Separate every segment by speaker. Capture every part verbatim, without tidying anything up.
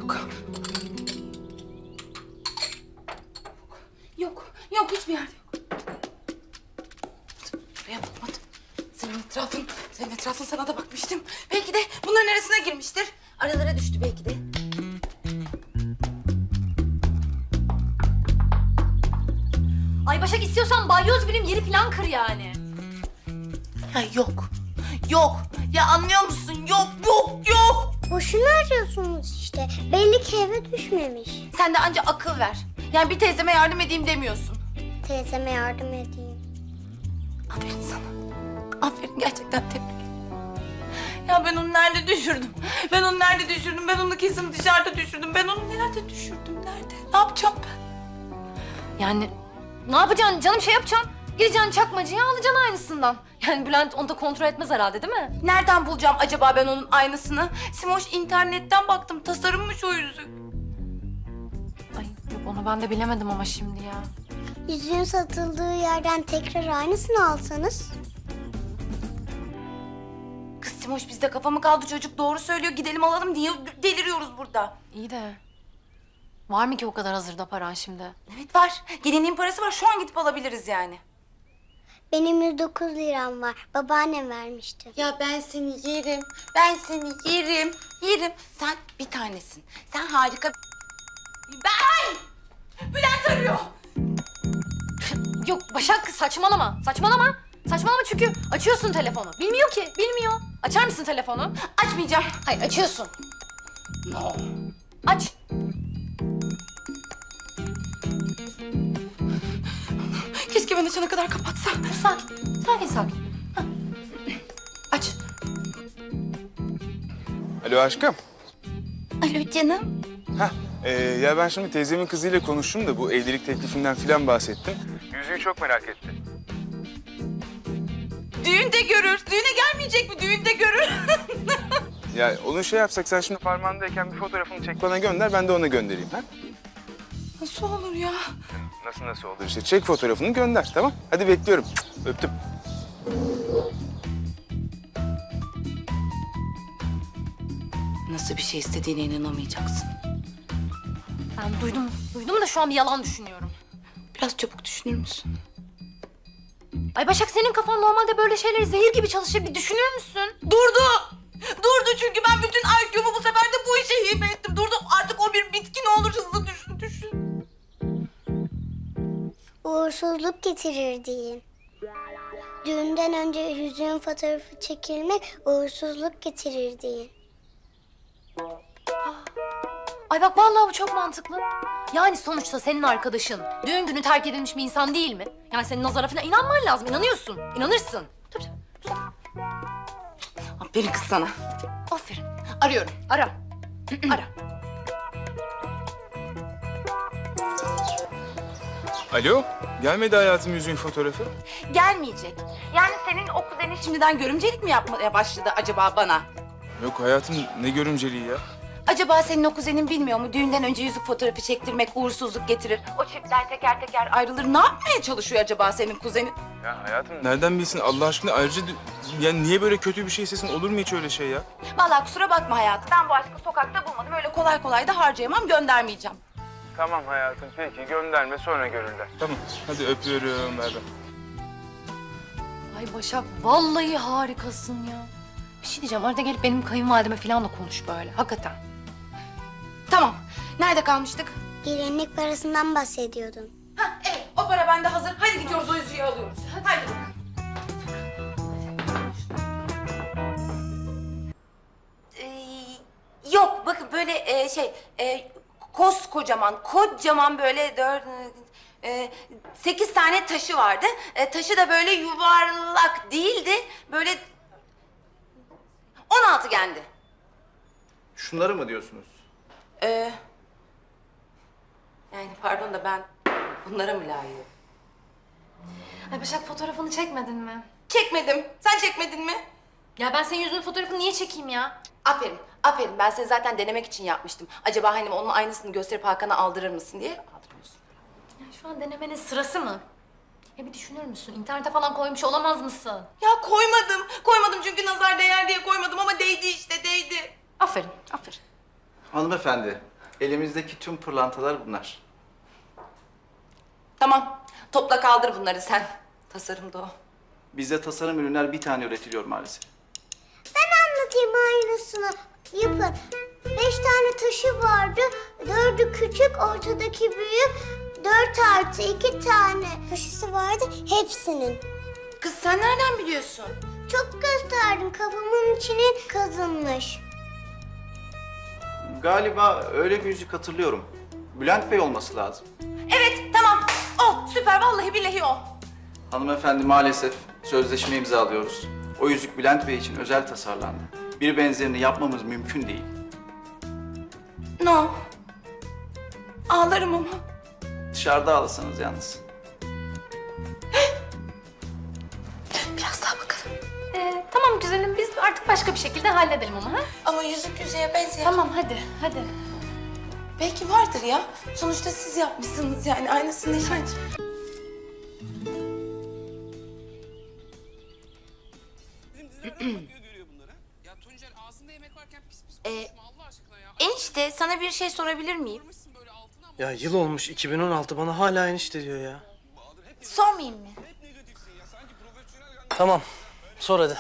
Speaker 1: Yok. Yok, yok hiçbir yerde yok. Buraya bakmadım. Senin etrafın, senin etrafın sana da bakmıştım. Belki de bunların arasına girmiştir. Aralara düştü belki de.
Speaker 2: Ay Başak istiyorsan balyoz birim yeri falan kır yani.
Speaker 1: Ya yok, yok. Ya anlıyor musun? Yok, yok, yok.
Speaker 3: Boşuna arıyorsunuz işte. Belli ki eve düşmemiş.
Speaker 1: Sen de anca akıl ver. Yani bir teyzeme yardım edeyim demiyorsun.
Speaker 3: Teyzeme yardım edeyim.
Speaker 1: Aferin sana. Aferin gerçekten tebrik ederim. Ya ben onu nerede düşürdüm? Ben onu nerede düşürdüm? Ben onu kesin dışarıda düşürdüm. Ben onu nerede düşürdüm? Nerede? Ne yapacağım ben?
Speaker 2: Yani ne yapacaksın canım, şey yapacaksın. Gireceksin çakmacıya, alacaksın aynısından. Yani Bülent onu da kontrol etmez herhalde değil mi?
Speaker 1: Nereden bulacağım acaba ben onun aynısını? Simoş internetten baktım. Tasarımmış o yüzük.
Speaker 2: Ay yok, onu ben de bilemedim ama şimdi ya.
Speaker 3: Yüzüğün satıldığı yerden tekrar aynısını alsanız.
Speaker 1: Kız Simoş bizde kafa mı kaldı, çocuk doğru söylüyor. Gidelim alalım. Niye deliriyoruz burada?
Speaker 2: İyi de var mı ki o kadar hazırda paran şimdi?
Speaker 1: Evet var. Gelinliğin parası var. Şu an gidip alabiliriz yani.
Speaker 3: Benim yüz dokuz liram var. Babaannem vermişti.
Speaker 1: Ya ben seni yerim. Ben seni yerim. Yerim. Sen bir tanesin. Sen harika. Ben! Bülent arıyor.
Speaker 2: Yok Başak, saçmalama, saçmalama. Saçmalama çünkü açıyorsun telefonu. Bilmiyor ki, bilmiyor. Açar mısın telefonu?
Speaker 1: Açmayacağım.
Speaker 2: Hayır, açıyorsun.
Speaker 1: No.
Speaker 2: Aç.
Speaker 1: Keşke ben açana kadar kapatsa.
Speaker 2: Sakin, sakin, sakin. Hah. Aç.
Speaker 4: Alo aşkım.
Speaker 1: Alo canım.
Speaker 4: Heh, e, ya ben şimdi teyzemin kızıyla konuştum da bu evlilik teklifinden filan bahsettim. Yüzüğü çok merak etti.
Speaker 1: Düğünde görür. Düğüne gelmeyecek mi? Düğünde görür.
Speaker 4: Ya onu şey yapsak, sen şimdi parmağındayken bir fotoğrafını çek bana gönder, ben de ona göndereyim ha?
Speaker 1: Nasıl olur ya?
Speaker 4: Nasıl nasıl olur işte, çek fotoğrafını gönder, tamam? Hadi bekliyorum. Cık, öptüm.
Speaker 1: Nasıl bir şey istediğine inanamayacaksın.
Speaker 2: Ben duydum, duydum da şu an bir yalan düşünüyorum.
Speaker 1: Biraz çabuk düşünür müsün?
Speaker 2: Ay Başak, senin kafan normalde böyle şeyleri zehir gibi çalışır, bir düşünür müsün?
Speaker 1: Durdu. Durdu çünkü ben bütün I Q'mu bu sefer de bu işe hibe ettim. Durdu. Artık o bir bitki, ne olur hızlı düşün, düşün.
Speaker 3: Uğursuzluk getirir deyin. Düğünden önce yüzüğün fotoğrafı çekilmek uğursuzluk getirir deyin.
Speaker 2: Ay bak vallahi bu çok mantıklı. Yani sonuçta senin arkadaşın düğün günü terk edilmiş bir insan değil mi? Yani senin nazara falan inanman lazım. İnanıyorsun. İnanırsın. Tabii tabii.
Speaker 1: Aferin kız sana.
Speaker 2: Aferin. Arıyorum. Ara. Ara.
Speaker 4: Alo, gelmedi hayatım yüzüğün fotoğrafı.
Speaker 1: Gelmeyecek. Yani senin o kuzenin şimdiden görümcelik mi yapmaya başladı acaba bana?
Speaker 4: Yok hayatım, ne görümceliği ya?
Speaker 1: Acaba senin o kuzenin bilmiyor mu? Düğünden önce yüzük fotoğrafı çektirmek uğursuzluk getirir. O çiftler teker teker ayrılır. Ne yapmaya çalışıyor acaba senin kuzenin?
Speaker 4: Ya hayatım nereden bilsin Allah aşkına, ayrıca d- yani niye böyle kötü bir şey istesin, olur mu hiç öyle şey ya?
Speaker 1: Vallahi kusura bakma hayatım. Ben bu aşkı sokakta bulmadım. Öyle kolay kolay da harcayamam, göndermeyeceğim.
Speaker 4: Tamam hayatım, peki gönderme, sonra görürler. Tamam, hadi öpüyorum, ver ben.
Speaker 2: Ay Başak vallahi harikasın ya. Bir şey diyeceğim. Arada gelip benim kayınvalideme falan da konuş böyle. Hakikaten.
Speaker 1: Tamam. Nerede kalmıştık?
Speaker 3: Gelinlik parasından bahsediyordun.
Speaker 1: Ha evet. O para bende hazır. Hadi gidiyoruz, o yüzüğü alıyoruz. Hadi. Ee, yok bakın böyle e, şey e, koskocaman, kocaman böyle dört, e, sekiz tane taşı vardı. E, taşı da böyle yuvarlak değildi. Böyle on altıgendi.
Speaker 5: Şunları mı diyorsunuz?
Speaker 1: Ee, yani pardon da ben bunlara mı layığım?
Speaker 2: Ay Başak, fotoğrafını çekmedin mi?
Speaker 1: Çekmedim. Sen çekmedin mi?
Speaker 2: Ya ben senin yüzünün fotoğrafını niye çekeyim ya?
Speaker 1: Aferin, aferin. Ben seni zaten denemek için yapmıştım. Acaba hani onun aynısını gösterip Hakan'a aldırır mısın diye. Aldırmıyorsun.
Speaker 2: Ya şu an denemenin sırası mı? Ya bir düşünür müsün? İnternete falan koymuş olamaz mısın?
Speaker 1: Ya koymadım. Koymadım çünkü nazar değer diye koymadım ama değdi işte, değdi.
Speaker 2: Aferin, aferin.
Speaker 5: Hanımefendi, Elimizdeki tüm pırlantalar bunlar.
Speaker 1: Tamam. Topla kaldır bunları sen. Tasarımda o.
Speaker 5: Bizde tasarım ürünler bir tane üretiliyor maalesef.
Speaker 3: Ben anlatayım aynısını. Yapın. Beş tane taşı vardı. Dördü küçük, ortadaki büyük. Dört artı iki tane taşısı vardı. Hepsinin.
Speaker 1: Kız sen nereden biliyorsun?
Speaker 3: Çok gösterdim. Kafamın içine kazınmış.
Speaker 5: Galiba öyle bir yüzük hatırlıyorum. Bülent Bey olması lazım.
Speaker 1: Evet tamam. O süper vallahi billahi o.
Speaker 5: Hanımefendi maalesef sözleşme imzalıyoruz. O yüzük Bülent Bey için özel tasarlandı. Bir benzerini yapmamız mümkün değil.
Speaker 1: No. Ağlarım ama.
Speaker 5: Dışarıda alsanız yalnız.
Speaker 1: Biraz daha bakalım.
Speaker 2: Ee, tamam güzelim biz artık başka bir şekilde halledelim ama ha?
Speaker 1: Ama yüzük yüzeye benziyor.
Speaker 2: Tamam hadi hadi.
Speaker 1: Belki vardır ya. Sonuçta siz yapmışsınız yani aynısını yani.
Speaker 6: Ya Tuncer ağzında yemek varken pis pis
Speaker 1: Ee,
Speaker 6: konuşma Allah aşkına ya.
Speaker 1: Enişte sana bir şey sorabilir miyim?
Speaker 6: Almışsın böyle altına ama
Speaker 7: Ya yıl olmuş iki bin on altı bana hala enişte diyor ya.
Speaker 1: Sormayayım mı?
Speaker 7: Tamam sor hadi.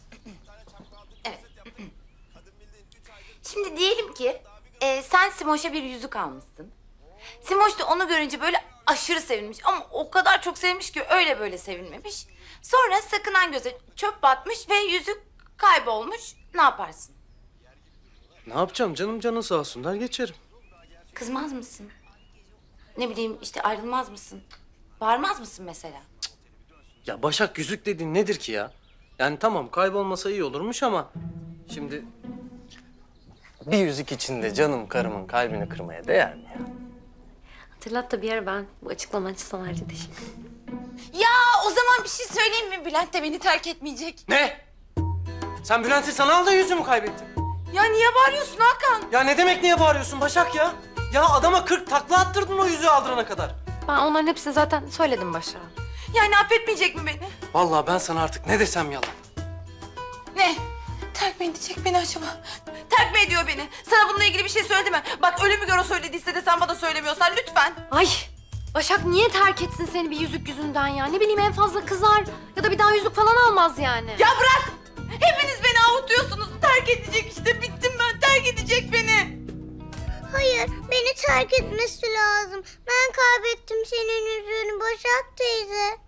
Speaker 1: Şimdi diyelim ki e, sen Simoş'a bir yüzük almışsın. Simoş da onu görünce böyle aşırı sevinmiş ama o kadar çok sevmiş ki öyle böyle sevinmemiş. Sonra sakınan göze çöp batmış ve yüzük kaybolmuş. Ne yaparsın?
Speaker 7: Ne yapacağım canım canın sağ olsun der geçerim.
Speaker 1: Kızmaz mısın? Ne bileyim işte ayrılmaz mısın? Bağırmaz mısın mesela?
Speaker 7: Ya Başak yüzük dediğin nedir ki ya? Yani tamam kaybolmasa iyi olurmuş ama şimdi bir yüzük içinde canım karımın kalbini kırmaya değer mi ya?
Speaker 2: Hatırlat da bir ara ben bu açıklama için sana ayrıca teşekkür ederim.
Speaker 1: Ya o zaman bir şey söyleyeyim mi? Bülent de beni terk etmeyecek.
Speaker 7: Ne? Sen Bülent'i sana al da yüzüğümü kaybettin.
Speaker 1: Ya niye bağırıyorsun Hakan?
Speaker 7: Ya ne demek niye bağırıyorsun Başak ya? Ya adama kırk takla attırdın o yüzüğü aldırana kadar.
Speaker 2: Ben onların hepsini zaten söyledim Başak'a.
Speaker 1: Yani affetmeyecek mi beni?
Speaker 7: Vallahi ben sana artık ne desem yalan.
Speaker 1: Ne? Terk mi edecek beni acaba? Terk mi ediyor beni? Sana bununla ilgili bir şey söyledi mi? Bak ölümü gör o söylediyse de sen bana söylemiyorsan lütfen.
Speaker 2: Ay Başak niye terk etsin seni bir yüzük yüzünden ya? Ne bileyim en fazla kızar ya da bir daha yüzük falan almaz yani.
Speaker 1: Ya bırak! Hepiniz beni avutuyorsunuz. Terk edecek işte. Bittim ben. Terk edecek beni.
Speaker 3: Hayır, beni terk etmesi lazım. Ben kaybettim senin yüzüğünü Başak teyze.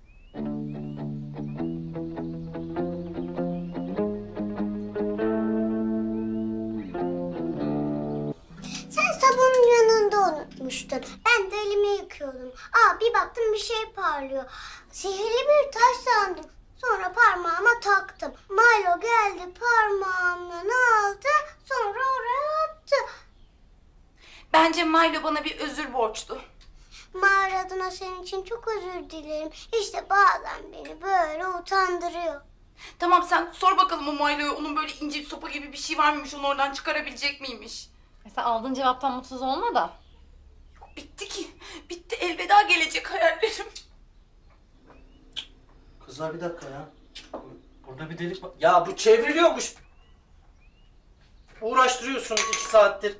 Speaker 3: Sen sabunun yanında unutmuştun. Ben de elimi yıkıyordum. Aa bir baktım bir şey parlıyor. Sihirli bir taş sandım. Sonra parmağıma taktım. Milo geldi parmağımdan aldı. Sonra oraya attı.
Speaker 1: Bence Milo bana bir özür borçlu.
Speaker 3: Mağara adına senin için çok özür dilerim. İşte bazen beni böyle utandırıyor.
Speaker 1: Tamam sen sor bakalım o Milo'ya. Onun böyle ince bir sopa gibi bir şey var mıymış? Onu oradan çıkarabilecek miymiş?
Speaker 2: Sen aldığın cevaptan mutsuz olma da.
Speaker 1: Bitti ki. Bitti. Elveda gelecek hayallerim.
Speaker 7: Kızlar bir dakika ya. Burada bir delik var. Ya bu çevriliyormuş. Uğraştırıyorsunuz iki saattir.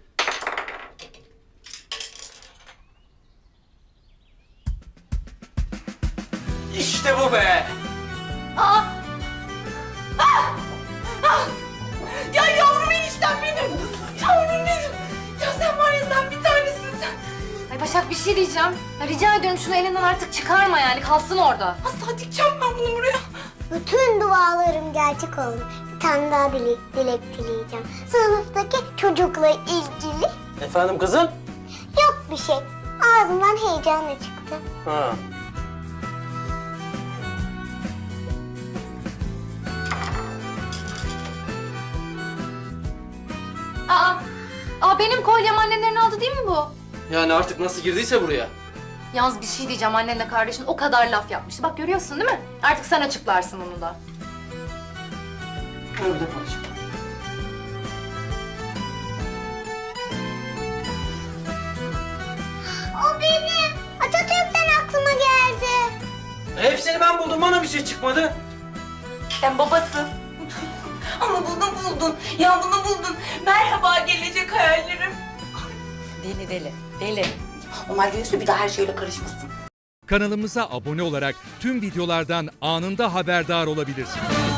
Speaker 7: İşte bu be.
Speaker 1: Aa! Ah! Ah! Ya yavrum eniştem benim. Yavrum benim. Ya sen var ya sen bir tanesin sen.
Speaker 2: Ay Başak bir şey diyeceğim. Ya rica ediyorum şunu elinden artık çıkarma yani kalsın orada.
Speaker 1: Asla dikeceğim ben bunu buraya.
Speaker 3: Bütün dualarım gerçek oldu. Bir tane daha dilek, dilek dileyeceğim. Sınıftaki çocukla ilgili
Speaker 7: Efendim kızım?
Speaker 3: yok bir şey. Ağzımdan heyecanla çıktı.
Speaker 7: Ha.
Speaker 2: Aa, aa benim kolyem annenlerin aldı değil mi bu?
Speaker 7: Yani artık nasıl girdiyse buraya.
Speaker 2: Yalnız bir şey diyeceğim annenle kardeşin o kadar laf yapmıştı. Bak görüyorsun değil mi? Artık sen açıklarsın onu da.
Speaker 7: Öyle konuşalım.
Speaker 3: O benim. Atatürk'ten aklıma geldi.
Speaker 7: Hepsini ben buldum bana bir şey çıkmadı.
Speaker 1: Sen babası. Ama bunu buldun. Ya bunu buldun. Merhaba gelecek hayallerim. Deli deli. Deli. Ömer görürse bir daha her şeyle karışmasın.
Speaker 8: Kanalımıza abone olarak tüm videolardan anında haberdar olabilirsiniz.